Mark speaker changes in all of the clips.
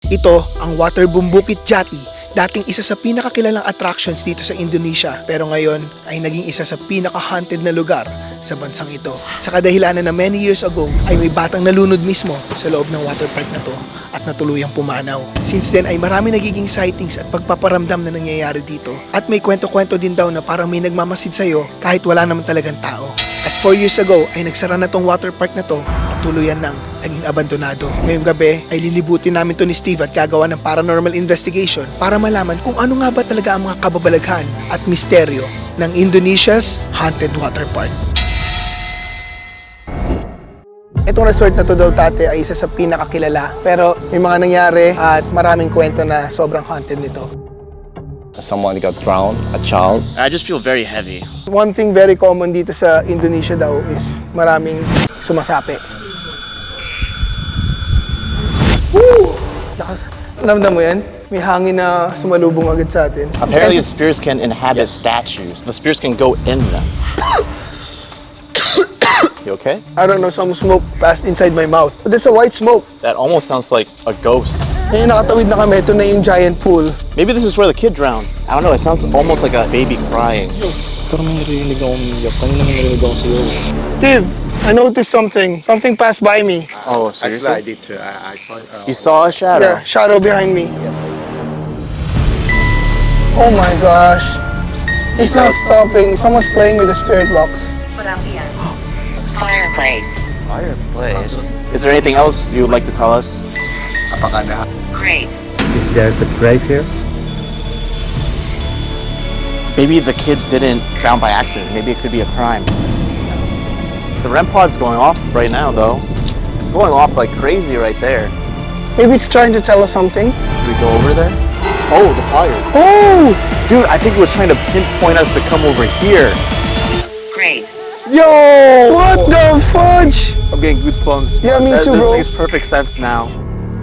Speaker 1: Ito ang Waterboom Bukit Jati, dating isa sa pinakakilalang attractions dito sa Indonesia, pero ngayon ay naging isa sa pinaka-haunted na lugar sa bansang ito. Sa kadahilanan na many years ago ay may batang nalunod mismo sa loob ng water park na to at natuluyang pumanaw. Since then ay marami nagiging sightings at pagpaparamdam na nangyayari dito. At may kwento-kwento din daw na parang may nagmamasid sa'yo kahit wala naman talagang tao. At 4 years ago ay nagsara na tong water park na to at tuluyan nang naging abandonado. Ngayong gabi ay lilibutin namin to ni Steve at gagawa ng paranormal investigation para malaman kung ano nga ba talaga ang mga kababalaghan at misteryo ng Indonesia's haunted water park. Itong resort na to daw tate ay isa sa pinakakilala, pero may mga nangyari at maraming kwento na sobrang haunted nito.
Speaker 2: Someone got drowned, a child.
Speaker 3: I just feel very heavy.
Speaker 1: One thing very common dito sa Indonesia daw is maraming sumasapi. Woo! Lakas. Namdam mo yan? May hangin na sumalubong agad sa atin.
Speaker 3: Apparently, the spirits can inhabit statues. The spirits can go in them. You okay?
Speaker 1: I don't know, some smoke passed inside my mouth. But there's a white smoke.
Speaker 3: That almost sounds like a ghost.
Speaker 1: Ngayon nakatawid na kami, ito na yung giant pool.
Speaker 3: Maybe this is where the kid drowned. I don't know, it sounds almost like a baby crying.
Speaker 2: Pero may narinig akong umiyak. Kanina may narinig akong sayo.
Speaker 1: Steve, I noticed something. Something passed by me.
Speaker 3: Oh, seriously?
Speaker 2: I did too. I saw it.
Speaker 3: You saw a shadow?
Speaker 1: Yeah, shadow behind me. Oh my gosh. It's not stopping. Someone's playing with the spirit box.
Speaker 4: Fireplace.
Speaker 3: Fireplace. Is there anything else you would like to tell us?
Speaker 4: Great.
Speaker 2: Is there a grave here?
Speaker 3: Maybe the kid didn't drown by accident. Maybe it could be a crime. The REM pod's going off right now, though. It's going off like crazy right there.
Speaker 1: Maybe it's trying to tell us something.
Speaker 3: Should we go over there? Oh, the fire.
Speaker 1: Oh!
Speaker 3: Dude, I think it was trying to pinpoint us to come over here.
Speaker 4: Great.
Speaker 1: Yo! What the fudge?
Speaker 3: I'm getting goosebumps.
Speaker 1: Yeah, me too, bro.
Speaker 3: That makes perfect sense now.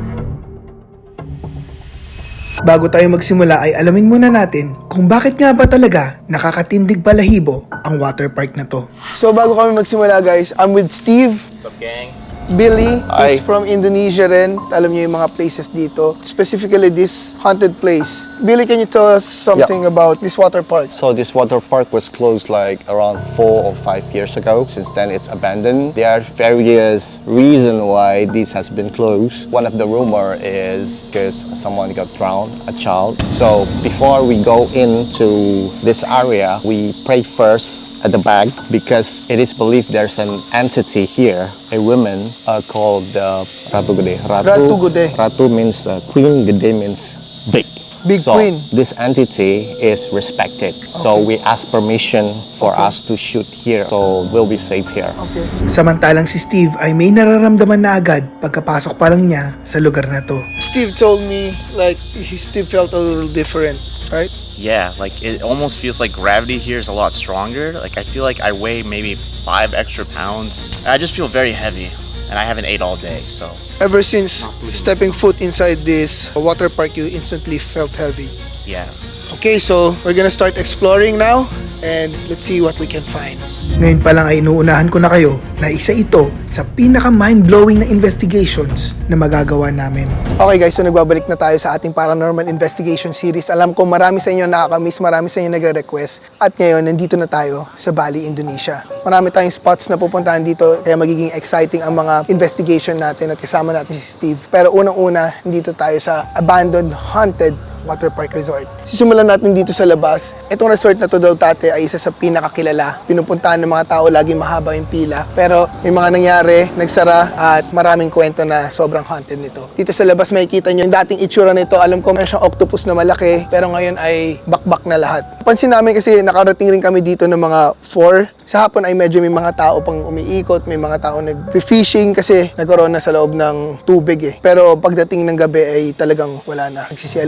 Speaker 1: Bago tayo magsimula ay alamin muna natin kung bakit nga ba talaga nakakatindig balahibo ang water park na to. So bago kami magsimula guys, I'm with Steve.
Speaker 3: What's up, gang?
Speaker 1: Billy is
Speaker 3: Hi.
Speaker 1: from Indonesia rin. Alam niyo yung mga places dito. Specifically this haunted place. Billy, can you tell us something about this water park?
Speaker 2: So this water park was closed like around 4 or 5 years ago. Since then it's abandoned. There are various reasons why this has been closed. One of the rumor is because someone got drowned, a child. So before we go into this area, we pray first at the back because it is believed there's an entity here, a woman called Ratu Gede.
Speaker 1: Ratu Gede.
Speaker 2: Ratu means queen, Gede means big.
Speaker 1: Big
Speaker 2: so
Speaker 1: queen.
Speaker 2: This entity is respected. So we ask permission for us to shoot here. So we'll be safe here.
Speaker 1: Okay. Samantalang si Steve ay may nararamdaman na agad pagkapasok pa lang niya sa lugar na to. Steve told me like he still felt a little different, right?
Speaker 3: Yeah, like it almost feels like gravity here is a lot stronger. Like I feel like I weigh maybe 5 extra pounds. I just feel very heavy, and I haven't ate all day, so.
Speaker 1: Ever since stepping foot inside this water park, you instantly felt heavy.
Speaker 3: Yeah.
Speaker 1: Okay, so we're gonna start exploring now and let's see what we can find. Ngayon pa lang ay inuunahan ko na kayo na isa ito sa pinaka mind-blowing na investigations na magagawa namin. Okay guys, so nagbabalik na tayo sa ating paranormal investigation series. Alam ko marami sa inyo nakakamiss, marami sa inyo nagre-request. At ngayon, nandito na tayo sa Bali, Indonesia. Marami tayong spots na pupuntahan dito kaya magiging exciting ang mga investigation natin at kasama natin si Steve. Pero unang-una, dito tayo sa abandoned, haunted water park resort. Sisimulan natin dito sa labas. Itong resort na to daw tate ay isa sa pinakakilala. Pinupuntahan ng mga tao, lagi mahaba yung pila. Pero may mga nangyari, nagsara at maraming kwento na sobrang haunted nito. Dito sa labas makikita nyo yung dating itsura nito. Alam ko meron siyang octopus na malaki pero ngayon ay bakbak na lahat. Pansin namin kasi nakarating rin kami dito ng mga 4. Sa hapon ay medyo may mga tao pang umiikot, may mga tao nag-fishing kasi nagkaroon na sa loob ng tubig eh. Pero pagdating ng gabi ay talagang wala na. Nagsisialisan ako.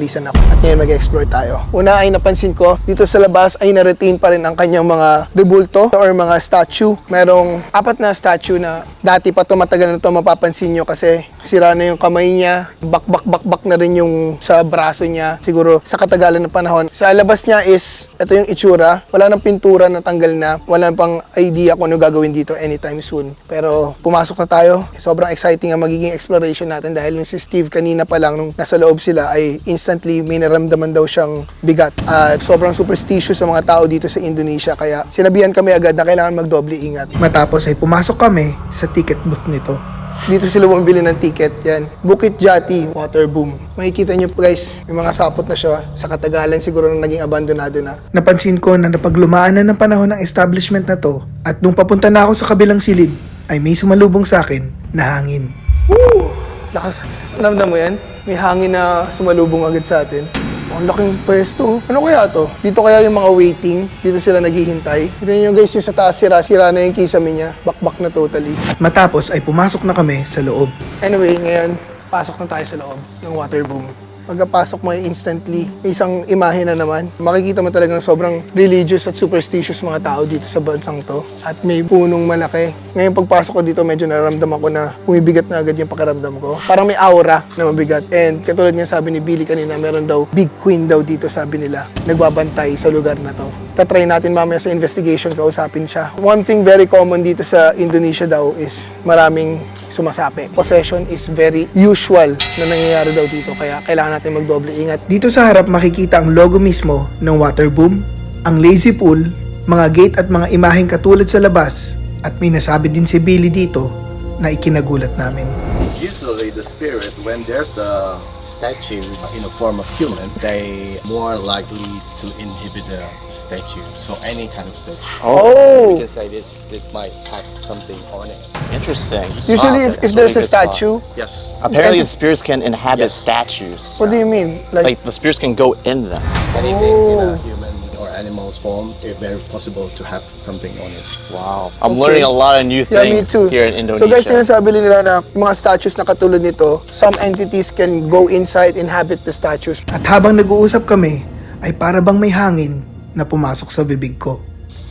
Speaker 1: At ngayon mag-explore tayo. Una ay napansin ko, dito sa labas ay na-retain pa rin ang kanyang mga rebulto or mga statue. Merong 4 na statue na dati pa to, matagal na to, mapapansin nyo kasi sira na yung kamay niya, bak na rin yung sa braso niya. Siguro sa katagalan ng panahon. Sa labas niya is, ito yung itsura. Wala nang pintura, natanggal na. Wala pang idea kung ano gagawin dito anytime soon. Pero pumasok na tayo. Sobrang exciting ang magiging exploration natin dahil nung si Steve kanina pa lang nung nasa loob sila ay instantly may naramdaman daw siyang bigat. At sobrang superstitious sa mga tao dito sa Indonesia kaya sinabihan kami agad na kailangan magdoble ingat. Matapos ay pumasok kami sa ticket booth nito. Dito sila bumili ng ticket, yan. Bukit Jati, water boom. Makikita nyo guys, may mga sapot na siya. Sa katagalan siguro nang naging abandonado na. Napansin ko na napaglumaan na ng panahon ng establishment na to at nung papunta na ako sa kabilang silid, ay may sumalubong sa akin na hangin. Woo! Lakas. Ramdam mo yan? May hangin na sumalubong agad sa atin. Ang laking pwesto. Ano kaya to? Dito kaya yung mga waiting? Dito sila naghihintay? Tignan nyo guys, yung sa taas sira na yung kisame niya. Bakbak na totally. At matapos ay pumasok na kami sa loob. Anyway, ngayon, pasok na tayo sa loob ng water boom. Pagkapasok mo ay instantly, may isang imahe na naman. Makikita mo talagang sobrang religious at superstitious mga tao dito sa bansang to. At may punong malaki. Ngayon pagpasok ko dito, medyo nararamdaman ko na bumibigat na agad yung pakiramdam ko. Parang may aura na mabigat. And katulad nga sabi ni Billy kanina, meron daw big queen daw dito, sabi nila. Nagbabantay sa lugar na to. Tatry natin mamaya sa investigation, kausapin siya. One thing very common dito sa Indonesia daw is maraming sumasapi. Possession is very usual na nangyayari daw dito, kaya kailangan natin magdoble ingat. Dito sa harap makikita ang logo mismo ng water boom, ang lazy pool, mga gate at mga imaheng katulad sa labas, at may nasabi din si Billy dito na ikinagulat namin.
Speaker 5: Usually the spirit, when there's a statue in the form of human, they more likely to inhibit the statue. So any kind of statue.
Speaker 1: Oh!
Speaker 5: You can say this might have something on it.
Speaker 3: Interesting.
Speaker 1: Usually if
Speaker 3: That's
Speaker 1: there's a
Speaker 3: really good spot.
Speaker 1: statue,
Speaker 5: Yes.
Speaker 3: Apparently
Speaker 1: And-
Speaker 3: the spirits can inhabit
Speaker 5: Yes.
Speaker 3: statues.
Speaker 1: what do you mean?
Speaker 3: Like the spirits can go in them.
Speaker 5: Anything in
Speaker 1: Oh.
Speaker 5: a human or animal's form, it's very possible to have something on it.
Speaker 3: Wow. I'm
Speaker 1: Okay.
Speaker 3: learning a lot of new
Speaker 1: Yeah, me
Speaker 3: things
Speaker 1: too.
Speaker 3: here in Indonesia.
Speaker 1: So guys, sinasabi nila na yung mga statues na katulad nito, some entities can go inside, inhabit the statues. At habang nag-uusap kami, ay para bang may hangin na pumasok sa bibig ko.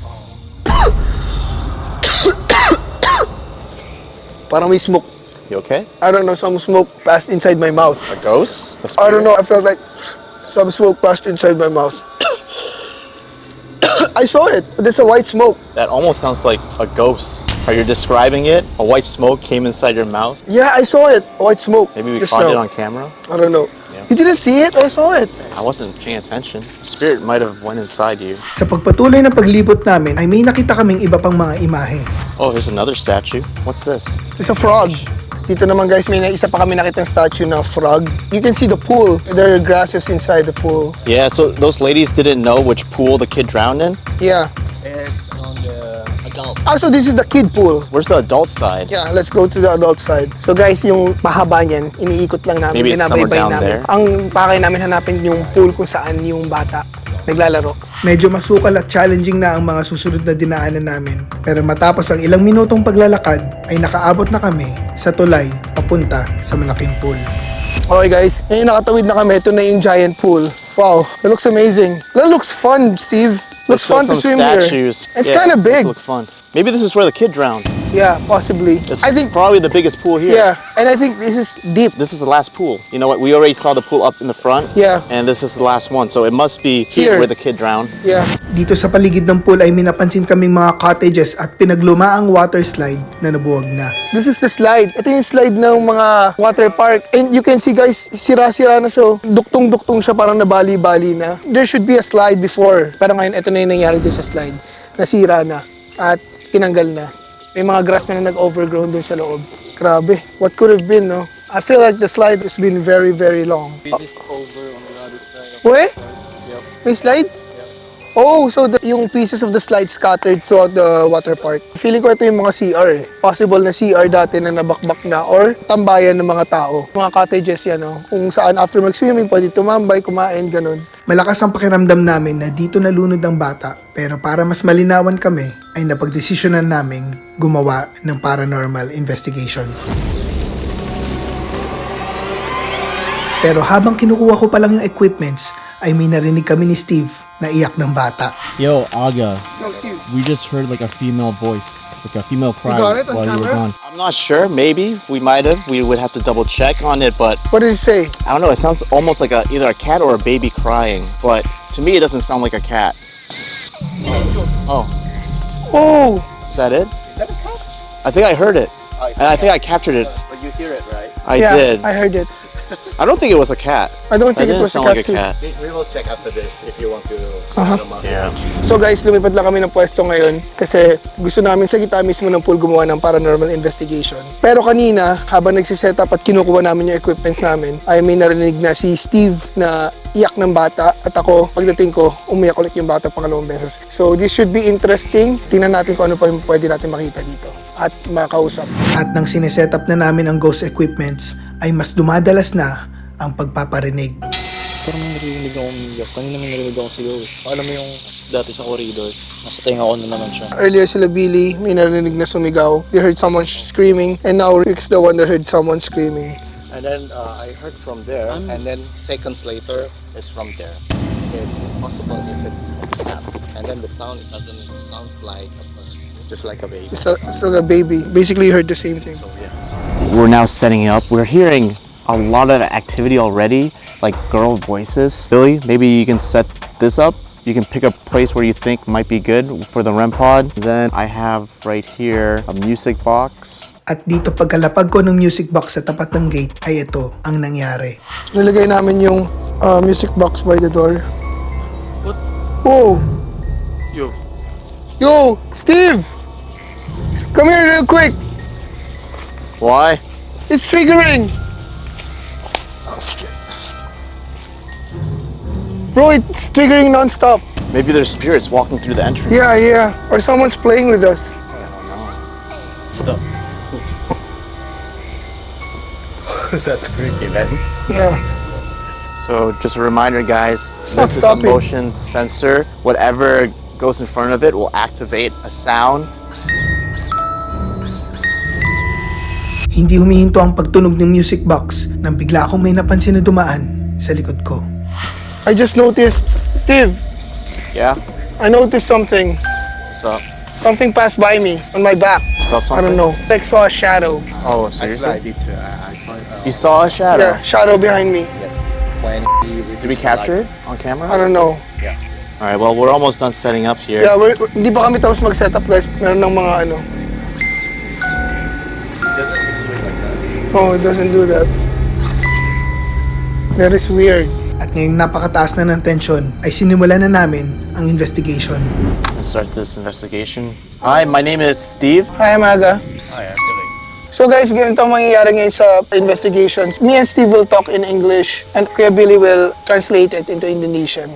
Speaker 1: Parang may smoke.
Speaker 3: You okay?
Speaker 1: I don't know, some smoke passed inside my mouth.
Speaker 3: A ghost? A
Speaker 1: I don't
Speaker 3: spirit?
Speaker 1: know, I felt like some smoke passed inside my mouth. I saw it. There's a white smoke.
Speaker 3: That almost sounds like a ghost. Are you describing it? A white smoke came inside your mouth?
Speaker 1: Yeah, I saw it. White smoke.
Speaker 3: Maybe we
Speaker 1: Just
Speaker 3: caught it
Speaker 1: now.
Speaker 3: on camera?
Speaker 1: I don't know.
Speaker 3: Yeah.
Speaker 1: You didn't see it? I saw it.
Speaker 3: I wasn't paying attention. Spirit might have went inside you.
Speaker 1: Sa pagpatuloy ng paglibot namin ay may nakita kaming iba pang mga imahe.
Speaker 3: Oh, here's another statue. What's this?
Speaker 1: It's a frog. Dito naman guys, may isa pa kami nakitang statue na frog. You can see the pool. There are grasses inside the pool.
Speaker 3: Yeah, so those ladies didn't know which pool the kid drowned in?
Speaker 1: Yeah.
Speaker 5: It's on the adult.
Speaker 1: Also, this is the kid pool.
Speaker 3: Where's the adult side?
Speaker 1: Yeah, let's go to the adult side. So guys, yung mahaba niyan, iniikot lang namin,
Speaker 3: Maybe it's somewhere
Speaker 1: binabaybay
Speaker 3: down
Speaker 1: namin.
Speaker 3: there.
Speaker 1: Ang pakay namin hanapin yung pool kung saan yung bata naglalaro. Medyo masukal at challenging na ang mga susunod na dinaanan namin. Pero matapos ang ilang minutong paglalakad, ay nakaabot na kami sa tulay papunta sa malaking pool. Okay guys, ngayon nakatawid na kami. Ito na yung giant pool. Wow, that looks amazing. That looks fun, Steve. Looks
Speaker 3: Let's
Speaker 1: fun to
Speaker 3: some
Speaker 1: swim
Speaker 3: statues.
Speaker 1: here. It's
Speaker 3: Yeah,
Speaker 1: kind of
Speaker 3: those
Speaker 1: big.
Speaker 3: Look fun. Maybe this is where the kid drowned.
Speaker 1: Yeah, possibly.
Speaker 3: It's
Speaker 1: I think,
Speaker 3: probably the biggest pool here.
Speaker 1: yeah, and I think this is deep.
Speaker 3: This is the last pool. You know what? We already saw the pool up in the front.
Speaker 1: Yeah.
Speaker 3: And this is the last one. So it must be
Speaker 1: Here.
Speaker 3: here where the kid drowned.
Speaker 1: Yeah. Dito sa paligid ng pool ay minapansin kaming mga cottages at pinaglumaang water slide na nabuwag na. This is the slide. Ito yung slide ng mga water park. And you can see guys, sira-sira na siya. Duktong-duktong siya, parang nabali-bali na. There should be a slide before. Pero ngayon, ito na yung nangyari dun sa slide. Nasira na. At tinanggal na. May mga grass na nag-overgrown dun sa loob. Grabe. What could have been, no? I feel like the slide has been very, very long.
Speaker 5: This is over on the other side.
Speaker 1: Wait? May slide? Oh, so yung pieces of the slide scattered throughout the water park. Feeling ko ito yung mga CR eh. Possible na CR dati na nabakbak na or tambayan ng mga tao. Mga cottages yan, no? Kung saan after mag-swimming, pwede tumambay, kumain, ganun. Malakas ang pakiramdam namin na dito nalunod ang bata. Pero para mas malinawan kami, ay napagdesisyonan naming gumawa ng paranormal investigation. Pero habang kinukuha ko pa lang yung equipments, ay may narinig kami ni Steve na iyak ng bata.
Speaker 6: Yo, Aga,
Speaker 1: No, Steve.
Speaker 6: we just heard like a female voice, like a female cry
Speaker 1: got it on
Speaker 6: while you were
Speaker 1: camera?
Speaker 6: gone.
Speaker 3: I'm not sure. Maybe we might have. We would have to double check on it, but
Speaker 1: What did he say?
Speaker 3: I don't know. It sounds almost like either a cat or a baby crying. But to me, it doesn't sound like a cat. Oh,
Speaker 1: Oh!
Speaker 3: is that it? I think I heard it, and I think I captured it.
Speaker 5: But you hear it, right?
Speaker 3: I did.
Speaker 1: I heard it.
Speaker 3: I don't think it was a cat.
Speaker 1: I don't
Speaker 3: That
Speaker 1: think it
Speaker 3: didn't
Speaker 1: was a
Speaker 3: sound
Speaker 1: cat
Speaker 3: like a
Speaker 1: too.
Speaker 3: cat.
Speaker 5: We will check after this if you want to.
Speaker 3: Yeah.
Speaker 1: So guys, lumipad lang kami ng pwesto ngayon kasi gusto namin sa gitna mismo ng pool gumawa ng paranormal investigation. Pero kanina, habang nagsiset up at kinukuha namin yung equipments namin, ay may narinig na si Steve na iyak ng bata at ako, pagdating ko, umiyak ulit yung bata pangalawang beses. So this should be interesting. Tingnan natin kung ano pa yung pwede natin makita dito at makausap. At nang sineset up na namin ang ghost equipments, ay mas dumadalas na ang pagpaparinig.
Speaker 7: Parang may narinig ako umiyak. Kanina may narinig ako sigaw eh. Alam mo yung dati sa corridor, nasa tenga ko na naman siya.
Speaker 1: Earlier sila Billy, may narinig na sumigaw. They heard someone screaming and now Rick's the one that heard someone screaming.
Speaker 5: And then I heard from there, and then seconds later, it's from there. It's impossible if it's a cat. And then the sound doesn't sounds like a person, just like a baby.
Speaker 1: It's like a baby. Basically, you heard the same thing.
Speaker 3: We're now setting up. We're hearing a lot of activity already, like girl voices. Billy, maybe you can set this up. You can pick a place where you think might be good for the REM pod. Then I have right here a music box.
Speaker 1: At dito pagkalapag ko ng music box sa tapat ng gate, ay ito ang nangyari. Nilagay namin yung music box by the door.
Speaker 7: What?
Speaker 1: Whoa!
Speaker 3: Yo.
Speaker 1: Yo! Steve! Come here real quick!
Speaker 3: Why?
Speaker 1: It's triggering! Bro, it's triggering non-stop.
Speaker 3: Maybe there's spirits walking through the entrance.
Speaker 1: Yeah. Or someone's playing with us.
Speaker 5: That's creepy, man.
Speaker 1: Yeah.
Speaker 3: So just a reminder, guys,
Speaker 1: not
Speaker 3: this is a
Speaker 1: stopping.
Speaker 3: motion sensor. Whatever goes in front of it will activate a sound.
Speaker 1: Hindi humihinto ang pagtunog ng music box nang bigla akong may napansin na dumaan sa likod ko. I just noticed, Steve,
Speaker 3: Yeah?
Speaker 1: I noticed something.
Speaker 3: What's up?
Speaker 1: Something passed by me on my back.
Speaker 3: Felt
Speaker 1: I
Speaker 3: something?
Speaker 1: don't know. Like saw a shadow.
Speaker 3: Oh,
Speaker 5: Actually, I
Speaker 3: seriously?
Speaker 5: did too. I saw it.
Speaker 3: You saw a shadow?
Speaker 1: Yeah, shadow behind me.
Speaker 5: Yes. When
Speaker 3: Did we capture it on camera?
Speaker 1: I don't know.
Speaker 3: All right, well, we're almost done setting up here.
Speaker 1: Yeah, hindi pa kami tapos mag-setup guys. Meron ng mga ano. Oh, it doesn't do that. That is weird. At ngayong napakataas na ng tensyon, ay sinimulan na namin ang investigation.
Speaker 3: Let's start this investigation. Hi, my name is Steve.
Speaker 1: Hi, Amaga.
Speaker 5: Hi, actually.
Speaker 1: So guys, ganito ang mangyayari ngayon sa investigations. Me and Steve will talk in English and Kuya Billy will translate it into Indonesian.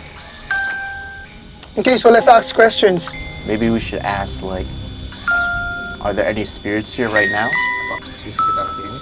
Speaker 1: Okay, so let's ask questions.
Speaker 3: Maybe we should ask, like, are there any spirits here right now?
Speaker 5: Di sekitar sini.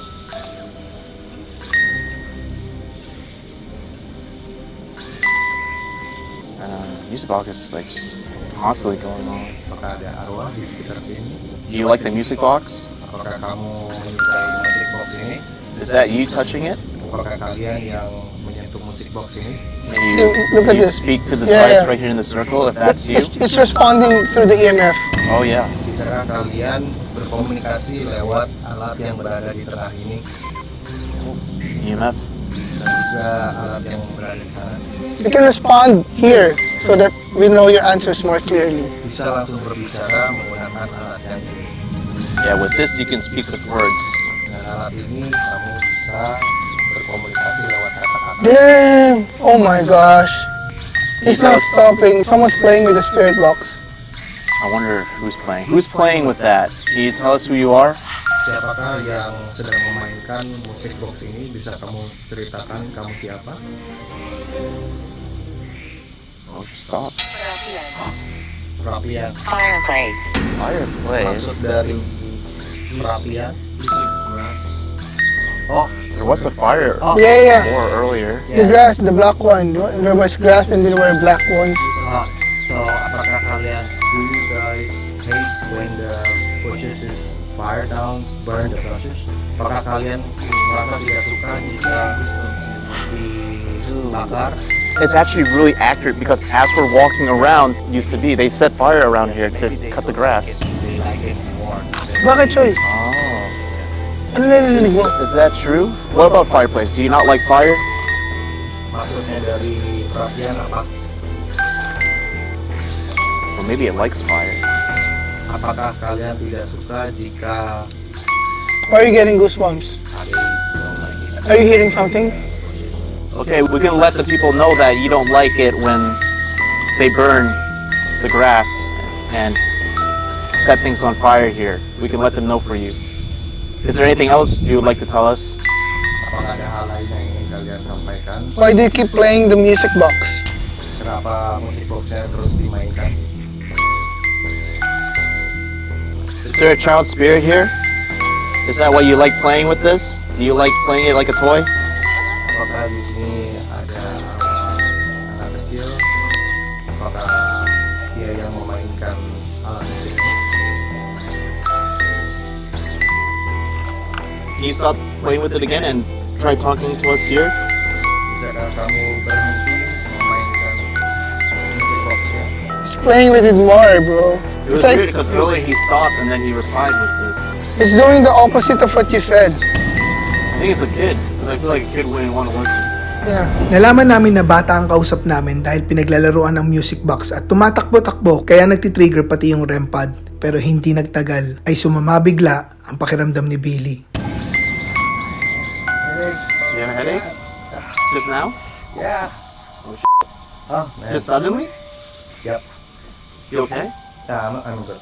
Speaker 3: Music box is like just constantly going on.
Speaker 5: Apakah ada arwah di sekitar sini?
Speaker 3: Do you like the music box?
Speaker 5: Apakah kamu menyukai musik box ini?
Speaker 3: Is that you touching it?
Speaker 5: Apakah kalian yang menyentuh musik box ini?
Speaker 3: Can you,
Speaker 1: Look at
Speaker 3: can you
Speaker 1: this.
Speaker 3: speak to the
Speaker 1: Yeah,
Speaker 3: device
Speaker 1: yeah.
Speaker 3: right here in the circle if that's you?
Speaker 1: It's responding through the EMF.
Speaker 3: Oh yeah.
Speaker 5: Bisakah kalian berkomunikasi lewat alat yang berada di tengah ini
Speaker 3: EMF.
Speaker 5: dan juga alat yang berada di sana?
Speaker 1: You can respond here so that we know your answers more clearly.
Speaker 5: Bisa langsung berbicara menggunakan alat yang ini.
Speaker 3: Yeah, with this you can speak with words.
Speaker 5: Dengan alat ini kamu bisa berkomunikasi lewat kata-kata.
Speaker 1: Damn! Oh my gosh. It's not stopping. Someone's playing with the spirit box.
Speaker 3: I wonder who's playing. Who's playing with that? Can you tell us who you are?
Speaker 5: Siapakah yang sedang memainkan musik box ini? Bisa kamu ceritakan kamu siapa?
Speaker 3: Oh, just stop.
Speaker 5: Perapian.
Speaker 4: Fireplace.
Speaker 3: Fireplace.
Speaker 5: Maksud dari perapian?
Speaker 3: Oh, there was a fire
Speaker 1: Yeah.
Speaker 3: more earlier.
Speaker 1: The grass, the black one. There was grass and there were black ones.
Speaker 5: So apakah kalian, do you guys hate when the bushes is fire down, burn the bushes? Apakah kalian merasa tidak suka jika
Speaker 3: It's actually really accurate because as we're walking around, used to be, they set fire around here to cut the grass.
Speaker 1: Bakit, Choy?
Speaker 3: Oh.
Speaker 1: Ano narinig mo?
Speaker 3: Is that true? What about fireplace? Do you not like fire?
Speaker 5: Maksudnya dari perapian apa?
Speaker 3: Well, maybe it likes fire.
Speaker 5: Apakah kalian tidak suka jika
Speaker 1: Why are you getting goosebumps? Are you hearing something?
Speaker 3: Okay, we can let the people know that you don't like it when they burn the grass and set things on fire here. We can let them know for you. Is there anything else you would like to tell us?
Speaker 5: apakah ada hal lain yang ingin kalian sampaikan?
Speaker 1: Why do you keep playing the music box?
Speaker 5: Kenapa musik boxnya terus dimainkan?
Speaker 3: Is there a child spirit here? Is that why you like playing with this? Do you like playing it like a toy?
Speaker 5: Apakah di sini ada anak kecil? Apakah dia yang memainkan alat musik?
Speaker 3: Can you stop playing with it again and try talking to us here?
Speaker 5: Bisakah kamu berhenti memainkan musik boxnya?
Speaker 1: It's playing with it more, bro.
Speaker 3: It was
Speaker 1: It's like,
Speaker 3: weird because earlier he stopped and then he replied with this.
Speaker 1: it's doing the opposite of what you said.
Speaker 3: I think it's a kid because I feel like a kid wouldn't want to listen.
Speaker 1: Yeah. Nalaman namin na bata ang kausap namin dahil pinaglalaroan ng music box at tumatakbo-takbo kaya nagtitrigger pati yung REM pad. Pero hindi nagtagal ay sumama bigla ang pakiramdam ni Billy.
Speaker 3: You have a headache? Just now?
Speaker 5: Yeah. Oh, man.
Speaker 3: Just suddenly?
Speaker 5: Yep.
Speaker 3: You okay?
Speaker 5: Yeah, I'm good.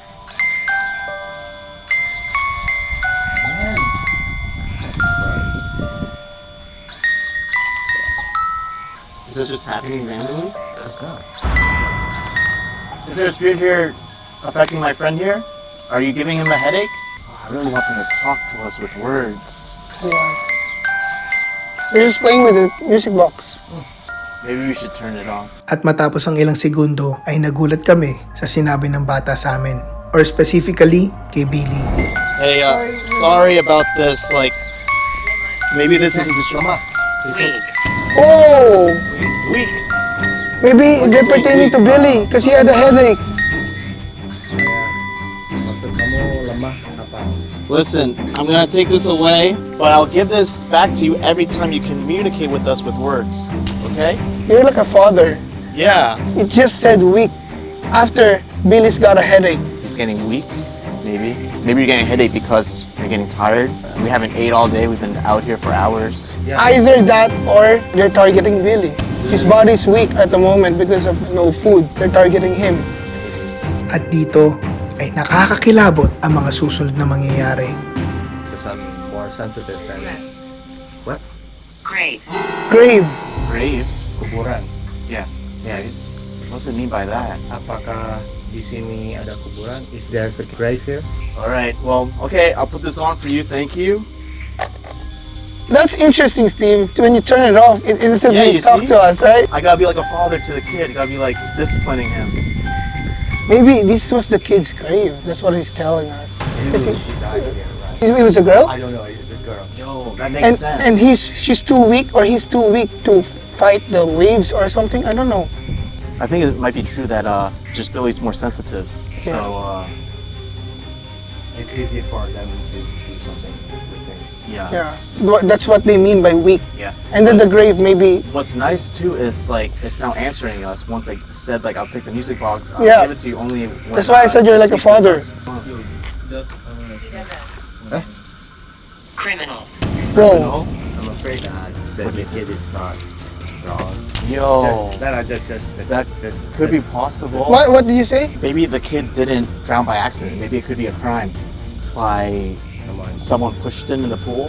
Speaker 3: Is this just happening randomly? Is there a spirit here affecting my friend here? Are you giving him a headache? Oh, I really want them to talk to us with words.
Speaker 1: Yeah. You're just playing with the music box.
Speaker 3: Maybe we should turn it off.
Speaker 1: At matapos ang ilang segundo ay nagulat kami sa sinabi ng bata sa amin. Or specifically, kay Billy.
Speaker 3: Hey, sorry about this. Like, maybe this isn't the trauma.
Speaker 4: Weak.
Speaker 1: Oh!
Speaker 3: Weak.
Speaker 1: Maybe
Speaker 3: What'd you
Speaker 1: they're
Speaker 3: say,
Speaker 1: pertaining to
Speaker 3: weak?
Speaker 1: Billy because he had a headache.
Speaker 5: Maksud kamu lemah apa?
Speaker 3: Listen, I'm gonna take this away, but I'll give this back to you every time you communicate with us with words. Okay?
Speaker 1: You're like a father.
Speaker 3: Yeah.
Speaker 1: It just said weak after Billy's got a headache.
Speaker 3: He's getting weak. Maybe. Maybe you're getting a headache because you're getting tired. We haven't ate all day. We've been out here for hours.
Speaker 1: Either that or they're targeting Billy. His body's weak at the moment because of no food. They're targeting him. At dito ay nakakakilabot ang mga susunod na mangyayari.
Speaker 5: Because I'm more sensitive than what?
Speaker 4: Grave.
Speaker 1: Grave.
Speaker 3: Grave?
Speaker 5: Kuburan.
Speaker 3: Yeah. Yeah. What's it mean by that?
Speaker 5: Apakah di sini ada kuburan? Is there a grave here?
Speaker 3: All right. Well, okay. I'll put this on for you. Thank you.
Speaker 1: That's interesting, Steve. When you turn it off, it
Speaker 3: Yeah,
Speaker 1: instantly
Speaker 3: you
Speaker 1: talk
Speaker 3: see?
Speaker 1: to us, right?
Speaker 3: I gotta be like a father to the kid. I gotta be like disciplining him.
Speaker 1: Maybe this was the kid's grave. That's what he's telling us. Is he-
Speaker 5: She died here, right?
Speaker 1: It was a girl?
Speaker 5: I don't know. It's a girl.
Speaker 3: Yo, that makes sense.
Speaker 1: And she's too weak or he's too weak to fight the waves or something? I don't know.
Speaker 3: I think it might be true that just Billy's more sensitive.
Speaker 1: Yeah.
Speaker 3: So
Speaker 5: It's easy for them to do something with things.
Speaker 3: yeah.
Speaker 1: Yeah. That's what they mean by weak.
Speaker 3: Yeah.
Speaker 1: And then the grave maybe,
Speaker 3: What's nice too is like it's now answering us. Once I said like I'll take the music box, I'll
Speaker 1: Yeah.
Speaker 3: give it to you only. When,
Speaker 1: That's why I said you're like a
Speaker 3: speaks with
Speaker 1: father.
Speaker 3: us.
Speaker 4: Criminal.
Speaker 1: bro.
Speaker 3: No?
Speaker 5: I'm afraid that the kid is not strong.
Speaker 3: Yo,
Speaker 5: That
Speaker 3: could be possible.
Speaker 1: What did you say?
Speaker 3: Maybe the kid didn't drown by accident. Maybe it could be a crime. By someone pushed him in the pool.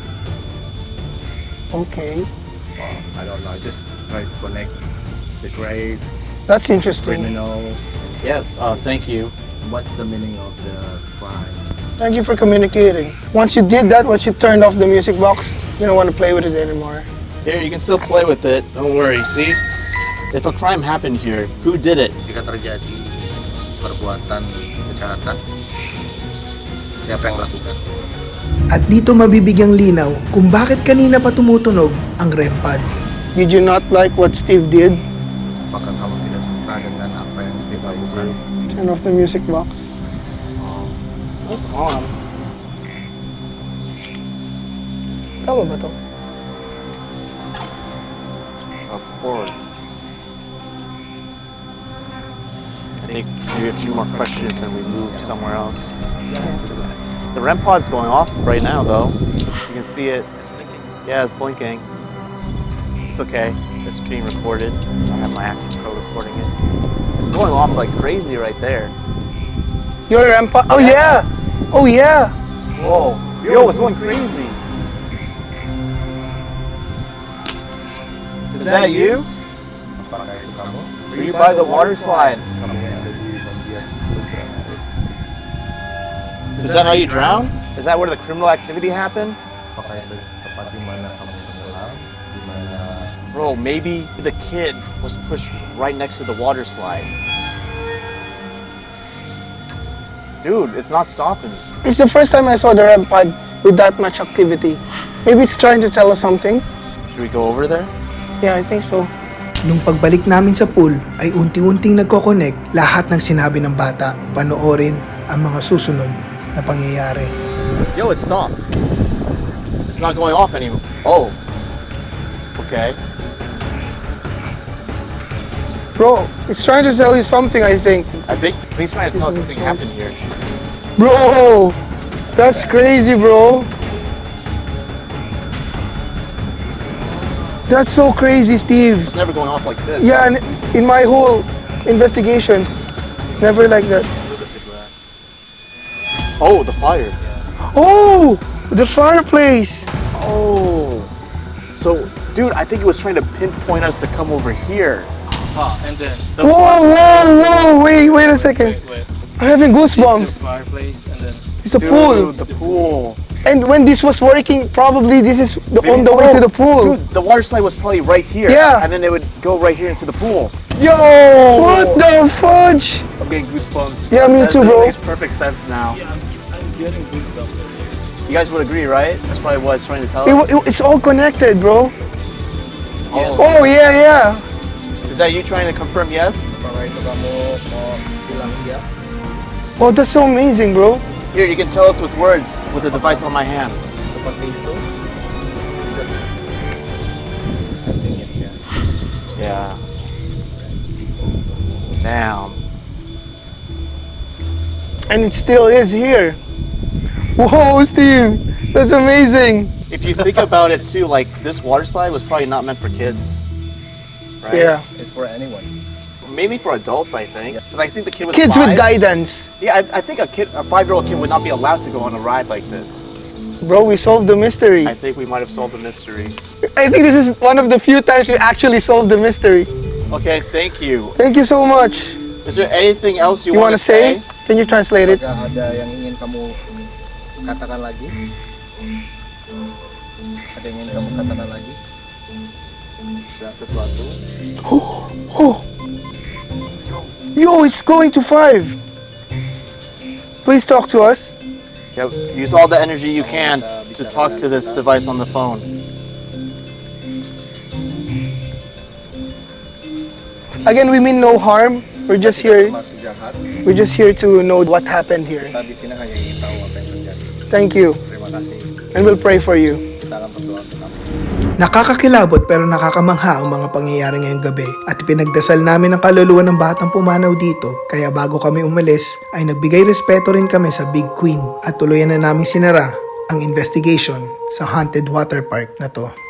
Speaker 1: Okay.
Speaker 5: I don't know. Just try to connect the grave,
Speaker 1: That's interesting.
Speaker 5: criminal.
Speaker 3: Yeah. Thank you.
Speaker 5: What's the meaning of the crime?
Speaker 1: Thank you for communicating. Once you did that, once you turned off the music box, you don't want to play with it anymore.
Speaker 3: Here, you can still play with it. Don't worry. See, if a crime happened here, who did it?
Speaker 5: Jika terjadi perbuatan kejahatan, siapa yang melakukan?
Speaker 1: At dito mabibigyang linaw kung bakit kanina pa tumutunog ang REM pad. Did you not like what Steve did?
Speaker 5: Baka kamu tidak suka dengan apa yang Steve lakukan.
Speaker 1: Turn off the music box.
Speaker 3: It's on.
Speaker 1: Tama ba to?
Speaker 3: Up forward. I think maybe a few more questions and we move somewhere else. The REM pod's going off right now, though. You can see it. Yeah, it's blinking. It's okay. It's being recorded. I have my Active Pro recording it. It's going off like crazy right there.
Speaker 1: Your rampa. Oh yeah. Oh yeah.
Speaker 3: Whoa. Yo, it's going crazy. Is that you?
Speaker 5: Apakah itu kamu?
Speaker 3: Were you by the water slide?
Speaker 5: Kamu yang ada di bagian beberapa.
Speaker 3: Is that how you drown? Is that where the criminal activity happened?
Speaker 5: Apakah itu tempat di mana kamu tenggelam? Di mana
Speaker 3: Bro, maybe the kid was pushed right next to the water slide. Dude, it's not stopping.
Speaker 1: It's the first time I saw the REM pod with that much activity. Maybe it's trying to tell us something.
Speaker 3: Should we go over there?
Speaker 1: Yeah, I think so. Nung pagbalik namin sa pool ay unti-unting nagko-connect lahat ng sinabi ng bata. Panoorin ang mga susunod na pangyayari.
Speaker 3: Yo, it stopped. It's not going off anymore. Oh. Okay.
Speaker 1: Bro, it's trying to tell you something, I think.
Speaker 3: I think he's trying to tell us something happened here.
Speaker 1: Bro, that's crazy, bro. That's so crazy, Steve.
Speaker 3: It's never going off like this.
Speaker 1: Yeah, and in my whole investigations, never like that.
Speaker 3: Oh, the fire.
Speaker 1: Oh, the fireplace.
Speaker 3: Oh. So, dude, I think it was trying to pinpoint us to come over here.
Speaker 7: And then,
Speaker 3: The
Speaker 1: Whoa, whoa, whoa, wait a second.
Speaker 7: wait.
Speaker 1: I'm having goosebumps.
Speaker 7: Fireplace, and then,
Speaker 1: It's a
Speaker 3: Dude,
Speaker 1: pool.
Speaker 3: the pool.
Speaker 1: And when this was working, probably this is on the way
Speaker 3: Oh,
Speaker 1: to the pool.
Speaker 3: Dude, the water slide was probably right here.
Speaker 1: Yeah.
Speaker 3: And then it would go right here into the pool.
Speaker 1: Yo! What the fudge?
Speaker 3: I'm getting goosebumps.
Speaker 1: Yeah, me too,
Speaker 3: That
Speaker 1: bro.
Speaker 3: makes perfect sense now.
Speaker 7: I'm getting goosebumps already.
Speaker 3: You guys would agree, right? That's probably what it's trying to tell
Speaker 1: It,
Speaker 3: us.
Speaker 1: it's all connected, bro.
Speaker 3: Oh.
Speaker 1: Oh, yeah, yeah.
Speaker 3: Is that you trying to confirm yes?
Speaker 5: apakah itu kamu mau bilang iya?
Speaker 1: Oh, that's so amazing, bro.
Speaker 3: Here, you can tell us with words with the device on my hand.
Speaker 5: Seperti itu? I think it's yes.
Speaker 3: Yeah. Damn.
Speaker 1: And it still is here. Whoa, Steve. That's amazing.
Speaker 3: If you think about it too, like this water slide was probably not meant for kids. Right?
Speaker 1: Yeah.
Speaker 5: It's for anyone.
Speaker 3: Mainly for adults, I think. Because I think the kid was
Speaker 1: Kids
Speaker 3: 5.
Speaker 1: with guidance.
Speaker 3: Yeah, I think a 5-year-old kid would not be allowed to go on a ride like this.
Speaker 1: Bro, we solved the mystery.
Speaker 3: I think we might have solved the mystery.
Speaker 1: I think this is one of the few times we actually solved the mystery.
Speaker 3: Okay, thank you.
Speaker 1: Thank you so much.
Speaker 3: Is there anything else you,
Speaker 1: You
Speaker 3: want
Speaker 1: want
Speaker 3: to
Speaker 1: to say? Can you translate it?
Speaker 5: Apakah ada yang ingin kamu katakan lagi? Ada yang ingin kamu katakan lagi? Ada sesuatu?
Speaker 1: Oh. Yo, it's going to 5. Please talk to us.
Speaker 3: Yeah, use all the energy you can to talk to this device on the phone.
Speaker 1: Again, we mean no harm. We're just here.
Speaker 5: Maksud jahat,
Speaker 1: We're just here to know what happened here.
Speaker 5: kita di sini hanya ingin tahu apa yang terjadi.
Speaker 1: Thank you,
Speaker 5: Terima kasih.
Speaker 1: and we'll pray for you.
Speaker 5: Kita akan berdoa untuk kamu.
Speaker 1: Nakakakilabot pero nakakamangha ang mga pangyayari ngayong gabi at pinagdasal namin ang kaluluwa ng batang pumanaw dito. Kaya bago kami umalis ay nagbigay respeto rin kami sa Big Queen at tuluyan na namin sinara ang investigation sa haunted water park na to.